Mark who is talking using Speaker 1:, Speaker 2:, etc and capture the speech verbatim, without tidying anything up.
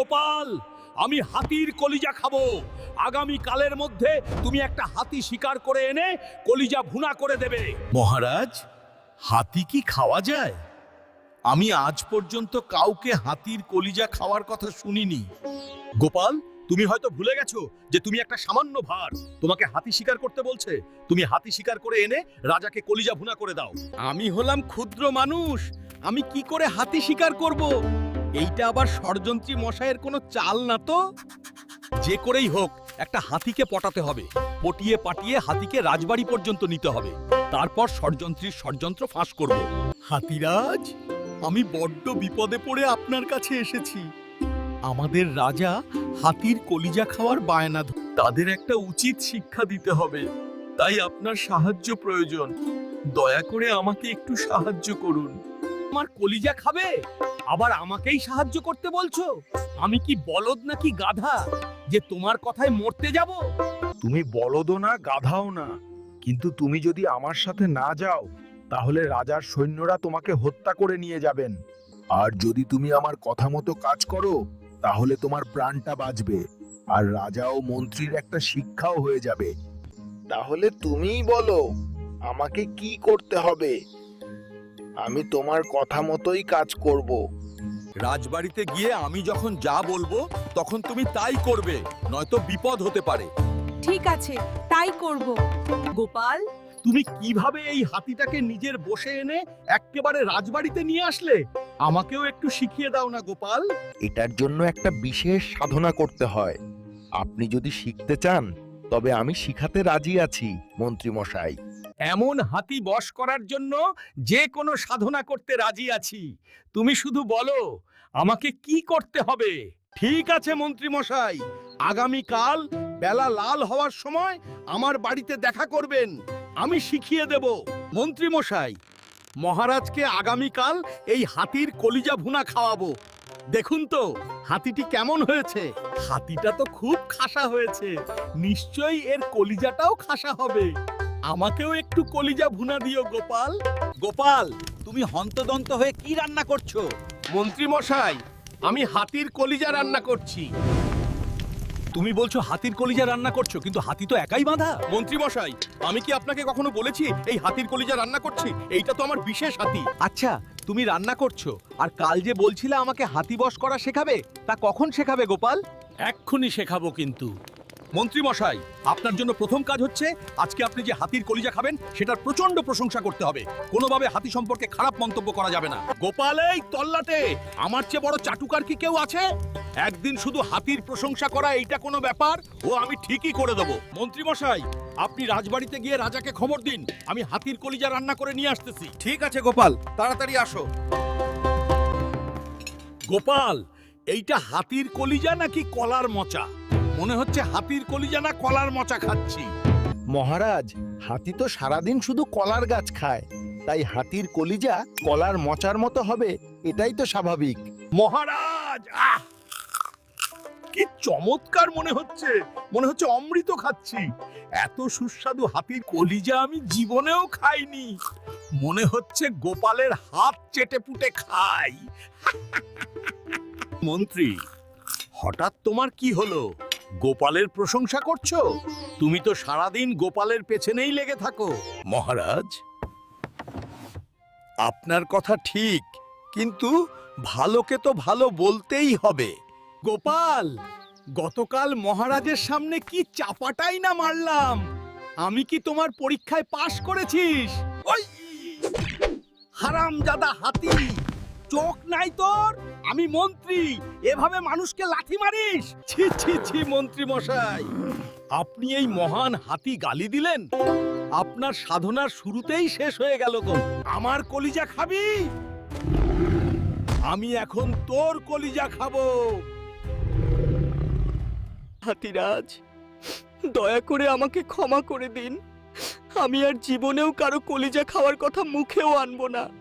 Speaker 1: গোপাল, আমি হাতির কলিজা খাবো। আগামী কালের মধ্যে তুমি একটা হাতি শিকার করে এনে কলিজা ভুনা করে দেবে।
Speaker 2: মহারাজ, হাতি কি খাওয়া যায়? আমি আজ পর্যন্ত কাউকে হাতির কলিজা খাওয়ার কথা শুনিনি।
Speaker 1: গোপাল, তুমি হয়তো ভুলে গেছো যে তুমি একটা সামান্য ভার। তোমাকে হাতি শিকার করতে বলছে, তুমি হাতি শিকার করে এনে রাজাকে কলিজা ভুনা করে দাও।
Speaker 2: আমি হলাম ক্ষুদ্র মানুষ, আমি কি করে হাতি শিকার করব? এইটা আবার ষড়যন্ত্রী মশাইয়ের কোনো চাল না তো?
Speaker 1: যে করেই হোক একটা হাতিকে পটাতে হবে, পটিয়ে পাটিয়ে হাতিকে রাজবাড়ি পর্যন্ত নিতে হবে। তারপর ষড়যন্ত্রীর ষড়যন্ত্র ফাঁস করব।
Speaker 2: হাতিরাজ, আমি বড্ড বিপদে পড়ে আপনার কাছে এসেছি। আমাদের রাজা হাতির কলিজা খাওয়ার বায়না ধ- তাদের একটা উচিত শিক্ষা দিতে হবে, তাই আপনার সাহায্য প্রয়োজন। দয়া করে আমাকে একটু সাহায্য করুন।
Speaker 1: আমার কলিজা খাবে, আবার আমাকেই সাহায্য করতে বলছো? আমি কি বলদ নাকি গাধা যে তোমার কথায় মরতে যাব?
Speaker 3: তুমি বলদও না, গাধাও না, কিন্তু তুমি যদি আমার সাথে না যাও তাহলে রাজার সৈন্যরা তোমাকে হত্যা করে নিয়ে যাবেন। আর যদি তুমি আমার কথা মতো কাজ করো তাহলে তোমার প্রাণটা বাঁচবে, আর রাজা ও মন্ত্রীর একটা শিক্ষাও হয়ে যাবে। তাহলে তুমিই বলো আমাকে কি করতে হবে। আমি তোমার কথা মতোই কাজ করব।
Speaker 2: রাজবাড়িতে গিয়ে আমি যখন যা বলবো তখন তুমি তাই করবে, নয়তো বিপদ হতে পারে।
Speaker 4: ঠিক আছে, তাই করব। গোপাল,
Speaker 1: তুমি কিভাবে এই হাতিটাকে নিজের বসে এনে একেবারে রাজবাড়িতে নিয়ে আসলে? আমাকেও একটু শিখিয়ে দাও না গোপাল।
Speaker 3: এটার জন্য একটা বিশেষ সাধনা করতে হয়। আপনি যদি শিখতে চান তবে আমি শিখাতে রাজি আছি মন্ত্রী মশাই।
Speaker 1: এমন হাতি বশ করার জন্য যে কোনো সাধনা করতে রাজি আছি। তুমি শুধু বলো আমাকে কি করতে হবে। ঠিক আছে মন্ত্রী মশাই, আগামী কাল বেলা লাল হওয়ার সময় আমার বাড়িতে দেখা করবেন, আমি শিখিয়ে দেব। মন্ত্রী মশাই, মহারাজকে আগামী কাল এই হাতির কলিজা ভুনা খাওয়াবো। দেখুন তো হাতিটি কেমন হয়েছে। হাতিটা তো খুব খাসা হয়েছে, নিশ্চয়ই এর কলিজাটাও খাসা হবে। আমাকেও একটু কলিজা ভুনা দিও গোপাল।
Speaker 2: গোপাল, তুমি হন্তদন্ত হয়ে কি রান্না করছো?
Speaker 1: মন্ত্রী মশাই, আমি হাতির কলিজা রান্না করছি। তুমি বলছো হাতির কলিজা রান্না করছো, কিন্তু হাতি তো একাই বাঁধা। মন্ত্রী মশাই, আমি কি আপনাকে কখনো বলেছি এই হাতির কলিজা রান্না করছি? এইটা তো আমার বিশেষ হাতি।
Speaker 2: আচ্ছা, তুমি রান্না করছো, আর কাল যে বলছিলে আমাকে হাতি বশ করা শেখাবে, তা কখন শেখাবে গোপাল?
Speaker 1: এক্ষুনি শেখাবো। কিন্তু মন্ত্রী মশাই, আপনার জন্য প্রথম কাজ হচ্ছে আজকে আপনি যে হাতির কলিজা খাবেন সেটার প্রচন্ড প্রশংসা করতে হবে। কোনোভাবে হাতি সম্পর্কে খারাপ মন্তব্য করা যাবে না। গোপাল, এই তল্লাটে আমার চেয়ে বড় চাটুকার কি কেউ আছে? একদিন শুধু হাতির প্রশংসা করা এইটা কোনো ব্যাপার? ও আমি ঠিকই করে দেবো। মন্ত্রী মশাই, আপনি রাজবাড়িতে গিয়ে রাজাকে খবর দিন আমি হাতির কলিজা রান্না করে নিয়ে আসতেছি।
Speaker 2: ঠিক আছে গোপাল, তাড়াতাড়ি আসো।
Speaker 1: গোপাল, এইটা হাতির কলিজা নাকি কলার মোচা? মনে হচ্ছে হাতির কলিজা না কলার মোচা খাচ্ছি।
Speaker 3: মহারাজ, হাতি তো সারাদিন শুধু কলার গাছ খায়, তাই হাতির কলিজা কলার মোচার মতো হবে, এটাই তো স্বাভাবিক।
Speaker 1: মহারাজ, আহ কি চমৎকার মনে হচ্ছে, মনে হচ্ছে অমৃত খাচ্ছি। এত সুস্বাদু হাতির কলিজা আমি জীবনেও খাইনি। মনে হচ্ছে গোপালের হাত চেটে পুটে খাই। মন্ত্রী, হঠাৎ তোমার কি হলো? গোপালের প্রশংসা করছো? তুমি তো সারাদিন গোপালের পেছনেই লেগে থাকো।
Speaker 2: মহারাজ, আপনার কথা ঠিক, কিন্তু ভালোকে তো ভালো বলতেই হবে।
Speaker 1: গোপাল, গতকাল মহারাজের সামনে কি চাপাটাই না মারলাম। আমি কি তোমার পরীক্ষায় পাশ করেছিস? ওই হারামজাদা হাতি, চোখ নাই তোর? আমি মন্ত্রী, এভাবে মানুষকে লাথি মারিস? ছি ছি ছি মন্ত্রী মশাই, আপনি এই মহান হাতি গালি দিলেন? আপনার সাধনার শুরুতেই শেষ হয়ে গেল গো। আমার কলিজা খাবি? আমি এখন তোর কলিজা খাবো।
Speaker 5: হাতিরাজ, দয়া করে আমাকে ক্ষমা করে দিন। আমি আর জীবনেও কারো কলিজা খাওয়ার কথা মুখেও আনবো না।